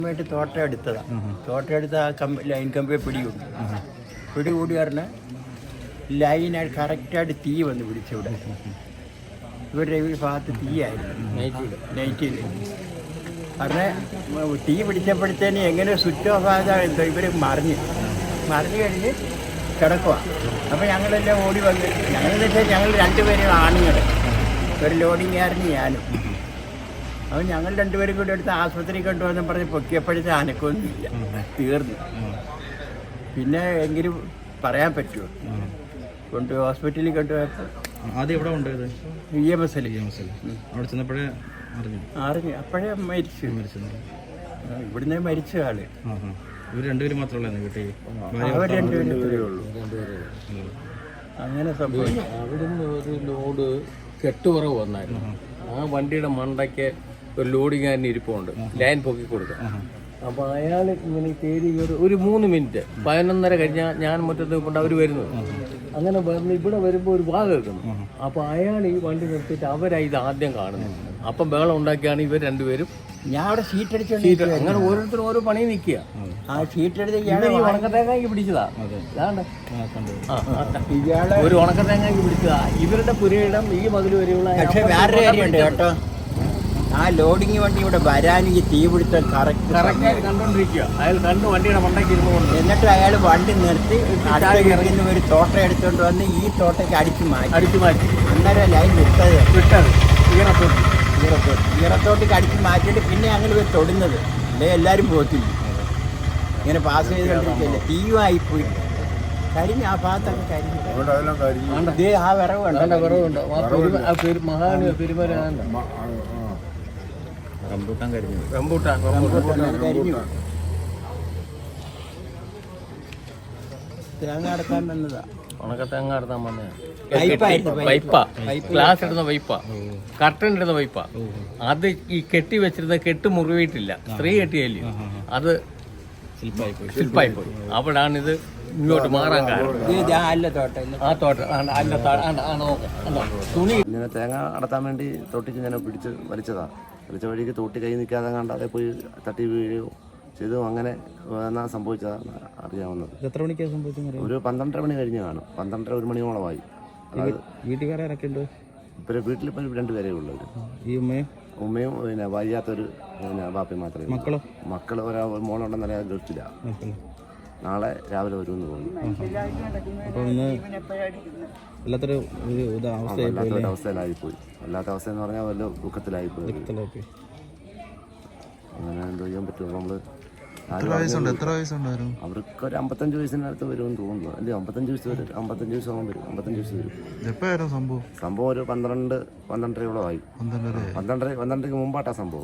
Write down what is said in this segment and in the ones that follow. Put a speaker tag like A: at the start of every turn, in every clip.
A: ായിട്ട് തോട്ടം എടുത്തതാണ്. തോട്ടം എടുത്ത ആ ലൈൻ കമ്പിയെ പിടികൂടി പറഞ്ഞാൽ ലൈനായിട്ട് കറക്റ്റായിട്ട് തീ വന്ന് പിടിച്ചിവിടെ. ഇവരുടെ ഈ ഭാഗത്ത് തീയായിരുന്നു നൈറ്റിൽ. കാരണം തീ പിടിച്ചപ്പോഴത്തേന് എങ്ങനെ സ്വിച്ച് ഓഫ് ആകാതെ ഇവർ മറിഞ്ഞ് കഴിഞ്ഞ് കിടക്കുക. അപ്പോൾ ഞങ്ങളെല്ലാം ഓടി വന്ന് ഞങ്ങളെന്ന് വെച്ചാൽ ഞങ്ങൾ രണ്ടുപേരും ആണുങ്ങൾ, ഒരു ലോഡിങ്ങുകാരന് ഞാനും. അപ്പോൾ ഞങ്ങൾ രണ്ടുപേരും കൂടി എടുത്ത് ആശുപത്രി കൊണ്ടുവന്ന് പറഞ്ഞ് പൊക്കിയപ്പോഴത്തെ അനക്കൊന്നുമില്ല, തീർന്നു. പിന്നെ എങ്കിലും പറയാൻ പറ്റുമോ? ഹോസ്പിറ്റലിൽ കൊണ്ടുപോയപ്പോൾ
B: ആദ്യം എവിടെ കൊണ്ടുപോയത്?
A: EMS
B: അവിടെ ചെന്നപ്പോഴേ
A: അറിഞ്ഞു. അപ്പോഴേ മരിച്ചു. ഇവിടുന്ന് മരിച്ച ആള്.
B: ഇവർ രണ്ടുപേരും മാത്രമല്ല വീട്ടിൽ?
A: അവർ രണ്ടുപേരേ ഉള്ളൂ. അങ്ങനെ സംഭവിച്ചു.
C: അവിടുന്ന് ഒരു ലോഡ് കെട്ടുപുറവ് വന്നായിരുന്നു. ആ വണ്ടിയുടെ മണ്ടയ്ക്ക് ഒരു ലോഡിങ്ങാരന് ഇരിപ്പുണ്ട്, ലൈൻ പൊക്കി കൊടുക്കുക. അപ്പോൾ അയാൾ ഇങ്ങനെ കയറി ഒരു 3 മിനിറ്റ് 11:30 കഴിഞ്ഞാൽ ഞാൻ മുറ്റത്ത് കൊണ്ട് അവർ വരുന്നത്. അങ്ങനെ വന്ന് ഇവിടെ വരുമ്പോൾ ഒരു വാ കേൾക്കുന്നു. അപ്പോൾ അയാൾ ഈ വണ്ടി നിർത്തിയിട്ട് അവരായി ഇത് ആദ്യം കാണുന്നത്. അപ്പം ബഹളം ഉണ്ടാക്കിയാണ് ഇവർ രണ്ടുപേരും.
A: ഞാൻ അവിടെ ഷീറ്റ് അടിച്ചു.
C: അങ്ങനെ ഓരോരുത്തരും ഓരോ പണി നിൽക്കുക.
A: ആ ഷീറ്റ് എടുത്ത്
C: ഉണക്കത്തേങ്ങാക്കി പിടിച്ചതാ. ഒരു ഉണക്കത്തേങ്ങാക്കി പിടിച്ചതാ. ഇവരുടെ പുരയിടം ഈ മതിൽ വരെയുള്ള.
A: പക്ഷെ വേറൊരു കാര്യമുണ്ട് കേട്ടോ, ആ ലോഡിങ് വണ്ടി ഇവിടെ വരാൻ ഈ തീപിടുത്തം കറക്റ്റായിട്ട്
C: കണ്ടോണ്ടിരിക്കുക. അയാൾ കണ്ടു വണ്ടിയുടെ മണ്ടയ്ക്ക് ഇരുന്നുകൊണ്ട്.
A: എന്നിട്ട് അയാൾ വണ്ടി നിർത്തി ഇറങ്ങുന്ന ഒരു തോട്ടം എടുത്തുകൊണ്ട് വന്ന് ഈ തോട്ടയ്ക്ക് അടിച്ചു മാറ്റി. അന്നേരം ലൈൻ വിട്ടത് ഈറത്തോട്ടേക്ക് അടിച്ചു മാറ്റിയിട്ട് പിന്നെ അങ്ങനെ തൊടുന്നത്. അല്ലേ എല്ലാവരും പോകത്തില്ല, ഇങ്ങനെ പാസ് ചെയ്തുകൊണ്ടിരിക്കില്ല. തീയുമായിപ്പോയി കരിഞ്ഞ് ആ ഭാഗത്തൊക്കെ കരിഞ്ഞു. ആ വിറവുണ്ട്.
C: മഹാന് പെരുമരാണ്ട്
B: റംബൂട്ടാൻ കരിഞ്ഞു.
A: കരിഞ്ഞു. തേങ്ങ അടക്കാൻ വന്നതാ.
C: ഉണക്കത്തേങ്ങ അടത്താൻ വന്നതാണ്. പൈപ്പാ, ഗ്ലാസ് ഇടുന്ന പൈപ്പാ, കർട്ടൻ ഇടുന്ന പൈപ്പാ. അത് ഈ കെട്ടി വെച്ചിരുന്ന കെട്ട് മുറിവിട്ടില്ല, സ്ത്രീ കെട്ടിയല്ലേ, അത് ശില്പായി പോയി. അവിടാണ് ഇത് ഇങ്ങോട്ട് മാറാൻ കാരണം. ആ തോട്ടം തുണി
D: ഇങ്ങനെ തേങ്ങ അടത്താൻ വേണ്ടി തോട്ടിക്ക് ഞാൻ വലിച്ച വഴിക്ക് തോട്ടി കൈ നിൽക്കാതെ കണ്ടാതെ പോയി തട്ടി വീഴുകയോ ചെയ്തു. അങ്ങനെ എന്നാ സംഭവിച്ചതാണ് അറിയാവുന്നത്.
B: എത്ര മണിക്കാണ് സംഭവിച്ചത്?
D: ഒരു 12:30 മണി കഴിഞ്ഞ് കാണും. 12:30 1 മണിയോളമായി.
B: വീട്ടുകാരൊക്കെ ഉണ്ട്?
D: ഇപ്പം വീട്ടിലിപ്പോൾ 2 പേരേ ഉള്ളൂ.
B: ഈ
D: ഉമ്മയും പിന്നെ വയ്യാത്തൊരു ബാപ്പയും മാത്രമേ. മക്കൾ മോളുണ്ടെന്നല്ല ഗൾഫില്ല. നാളെ രാവിലെ വരുമെന്ന് തോന്നുന്നു.
B: അപ്പോൾ ഇന്ന് വല്ലാത്തൊരു
D: അവസ്ഥയിലായിപ്പോയി. വല്ലാത്ത അവസ്ഥ എന്ന് പറഞ്ഞാൽ വല്ല ദുഃഖത്തിലായിപ്പോയി. അങ്ങനെ എന്തോ ചെയ്യാൻ പറ്റുമോ? നമ്മൾ അവർക്ക് ഒരു 55 വയസ്സിനടുത്ത് വരുമെന്ന് തോന്നുന്നു. അല്ലേ 55 വയസ്സ് വരും. 55 വയസ്സാകുമ്പോൾ വരും. 55 വയസ്സ് വരും. സംഭവം ഒരു 12-12:30 ആയി. 12:30 മുമ്പാട്ടാ സംഭവം.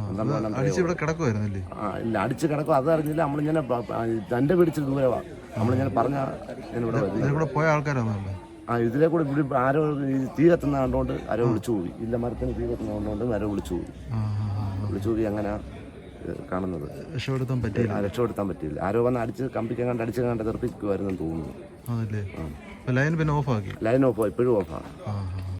D: ഇല്ല, അടിച്ച് കിടക്കും. അത് അറിഞ്ഞില്ല. നമ്മളിങ്ങനെ തൻ്റെ പിടിച്ച് ദൂരവാ. നമ്മളിങ്ങനെ പറഞ്ഞ
E: പോയ ആൾക്കാരാണ്.
D: ഇതിലെ കൂടെ ഇവിടെ ആരോ തീ കത്തുന്ന കണ്ടുകൊണ്ട് ആരോ വിളിച്ചു പോയി. ഇല്ല, മരത്തിന് തീ കത്തുന്ന കണ്ടുകൊണ്ട് ആരോ വിളിച്ചു പോയി. അങ്ങനെ കാണുന്നത്. രക്ഷപ്പെടുത്താൻ പറ്റിയില്ല. ആരോ വന്ന് അടിച്ച് കമ്പിക്കങ്ങാണ്ട് തെറിപ്പിക്കുമായിരുന്നു തോന്നുന്നു.
E: ലൈൻ ഓഫ് ആയി.
D: ഇപ്പോഴും ഓഫാണ്.